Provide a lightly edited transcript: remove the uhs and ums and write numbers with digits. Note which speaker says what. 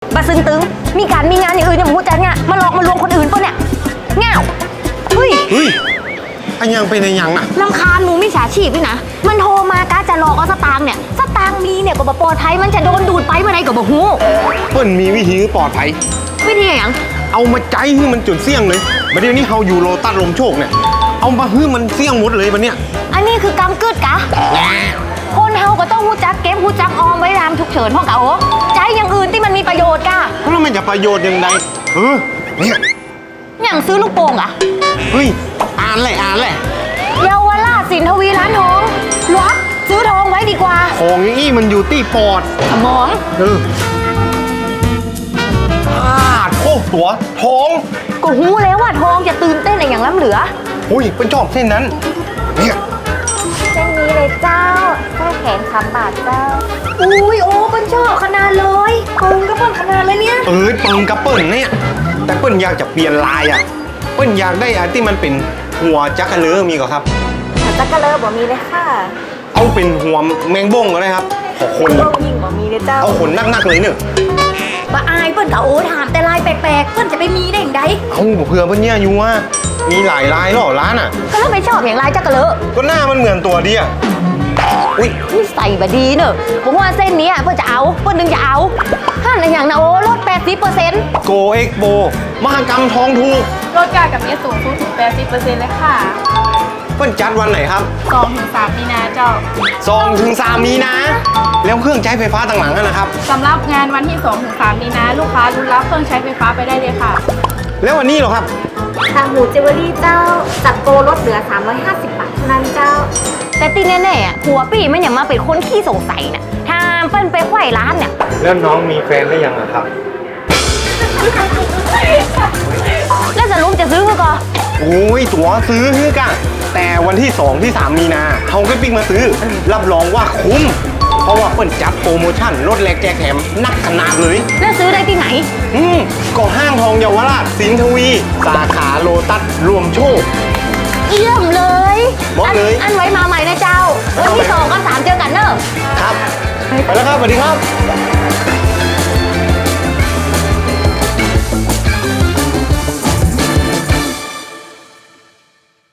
Speaker 1: บาซึงตึงมีการมีงานอย่างอื่นอย่างหูจัดเนี่ยมาหลอกมาลวงคนอื่นปะเนี่ยเง่าเฮ้ย
Speaker 2: อันยังเป็นอันยังน่ะ
Speaker 1: รำคาญหมูมิจฉาชีพด้วยนะมันโทรมากะจะหลอกเอาสตางค์เนี่ยสตางค์มีเนี่ยก็บ่ปลอดภัยมันจะโดนดูดไปเมื่อไรก็บ่ฮู้
Speaker 2: เปิ้นมีวิธีปลอดภัย
Speaker 1: วิธีอย่าง
Speaker 2: เอามาใจให้มันจุดเสี่ยงเลยบัดเดี๋ยวนี้เฮาอยู่โลตัสลมโชคเนี่ยเอามาให้มันเสี่ยงหมดเลยบัดเนี้ย
Speaker 1: อันนี้คือกำกึดกะคนเฮาก็ต้องรู้จักเก็บรู้จักออมไว้รามฉุกเฉินพ่อกะโอ้ใจอย่างอื่นที่มันมีประโยชน์กะ
Speaker 2: แล้วมันจะประโยชน์ยังไงเนี่ย
Speaker 1: อย่างซื้อลูกโป่งอะ
Speaker 2: เฮ้ยอ่านเลย
Speaker 1: เยาวราชสินทวีร้านทองวัดซื้อทองไว้ดีกว่า
Speaker 2: ของอี้มันอยู่ที่ปอด
Speaker 1: สมอง
Speaker 2: โค้ตัวทอง
Speaker 1: ก็หูแล้วว่าทองจะตื่นเต้นอย่างล้ำเหลือ
Speaker 2: อุ้ยเป็นชอบเส้นนั้นเนี่ย
Speaker 1: เส้นนี้เลยเจ้าแค่แขน3 บาทเจ้าอุ้ยโอ้เป็นชอบขนาดเลยเปิงก็เปิงขนาดเลยเนี่ย
Speaker 2: เปิงกับเปิ่นเนี่ยแต่เปิ่นอยากจะเปลี่ยนลายเปิ่นอยากได้อันที่มันเป็นหัวจักระเลอมีก่อนครับ
Speaker 1: จักระเลอบ่มีเลยค่ะ
Speaker 2: เอาเป็นหัวแมงบ้งก็ได้ครับขอคน
Speaker 1: ยิ่งบ่มีเลยเจ้า
Speaker 2: เอาขนนักๆเลยเนี่ย
Speaker 1: บ้าอายเปิ้นกับโอ้ถามแต่ลายแปลกๆเปิ้นจะไปมีได้อย่างไร
Speaker 2: เอาเผื่อเปิ้นเนี่ยอยู่ว่ามีหลายลายหรอร้าน
Speaker 1: ก็แล้วไม่ชอบอย่างลายจักระเลอ
Speaker 2: ก็หน้ามันเหมือนตัวดีอุ้ย
Speaker 1: ใส่บดีเนอะผมว่าเส้นนี้เปิ้นจะเอาเปิ้นนึงจะเอาห้ามอย่างนะโอ้ลด 80%
Speaker 2: โกเอ็กโบมหกรรมทองถูก
Speaker 3: ลดกากับเนี้ยสูงสุดถึง 80% เลยค่ะ
Speaker 2: เปิ้นจัดวันไหนครับ
Speaker 3: 2-3 มีนาเจ้า
Speaker 2: 2-3 มีนาแล้วเครื่องใช้ไฟฟ้าต่างๆนะครับ
Speaker 3: สำหรับงานวันที่ 2-3 มีนาลูกค้ารุ้นรับเครื่องใช้ไฟฟ้าไปได้เลยค่ะ
Speaker 2: แล้ววันนี้เหรอครับ
Speaker 1: ทางหมูเจเวอรี่เจ้าจัดโปรลดเหลือ350 บาทเท่านั้นเจ้าแต่ตีแน่ๆหัวปี่มันอย่ามาเป็นคนขี้สงสัยนะถ้าเปิ้นไปไขว้ร้านเนี่ย
Speaker 2: แล้วน้องมีแฟนได้ยังครับ
Speaker 1: แล้วสรุปจะซื้อก็
Speaker 2: โอ้ยตั๋วซื้อฮือกะแต่วันที่2 ที่ 3 มีนาเขาก็ปิ๊กมาซื้อรับรองว่าคุ้มเพราะว่าเปิ้นจัดโปรโมชั่นลดแลกแจกแถมนักขนาดเลย
Speaker 1: แล้วซื้อได้ที่ไหน
Speaker 2: ก็ห้างทองเยาวราชสินทวีสาขาโลตัสรวมโชค
Speaker 1: เยี่ยมเลย
Speaker 2: บอกเลย
Speaker 1: อันไว้มาใหม่นะเจ้าวันที่2 กับ 3เจอกันเนอะ
Speaker 2: ครับไปแล้วครับสวัสดีครับ